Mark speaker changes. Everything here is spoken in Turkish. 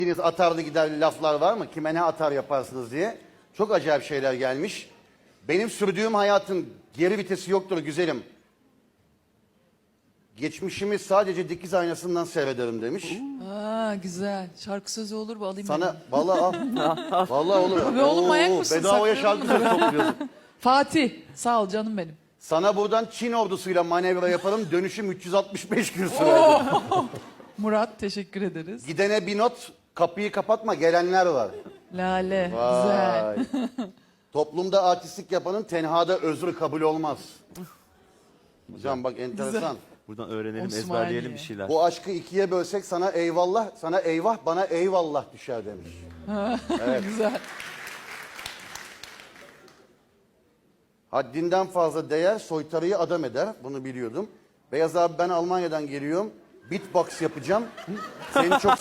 Speaker 1: Deniz atarlı gider laflar var mı? Kime ne atar yaparsınız diye. Çok acayip şeyler gelmiş. Benim sürdüğüm hayatın geri vitesi yoktur güzelim. Geçmişimi sadece dikiz aynasından seyrederim demiş.
Speaker 2: Aa, güzel. Şarkı sözü olur mu? Alayım
Speaker 1: Sana
Speaker 2: ben.
Speaker 1: vallahi al. Vallahi olur.
Speaker 2: Be oğlum, manyak mısın?
Speaker 1: Bedavaya
Speaker 2: Sakladın
Speaker 1: şarkı
Speaker 2: mı?
Speaker 1: sözü topluyorsun.
Speaker 2: Fatih. Sağ ol canım benim.
Speaker 1: Sana buradan Çin ordusuyla manevra yaparım. Dönüşüm 365 gün sürer.
Speaker 2: Murat, teşekkür ederiz.
Speaker 1: Gidene bir not, kapıyı kapatma, gelenler var.
Speaker 2: Lale. Güzel.
Speaker 1: Vay. Toplumda artistlik yapanın tenhada özrü kabul olmaz. Hocam bak enteresan.
Speaker 3: Buradan öğrenelim,
Speaker 2: Osmaniye.
Speaker 3: ezberleyelim bir şeyler.
Speaker 1: Bu aşkı ikiye bölsek sana eyvallah, sana eyvah, bana eyvallah düşer demiş.
Speaker 2: Güzel.
Speaker 1: Haddinden fazla değer soytarıyı adam eder. Bunu biliyordum. Beyaz abi ben Almanya'dan geliyorum. Beatbox yapacağım. Seni çok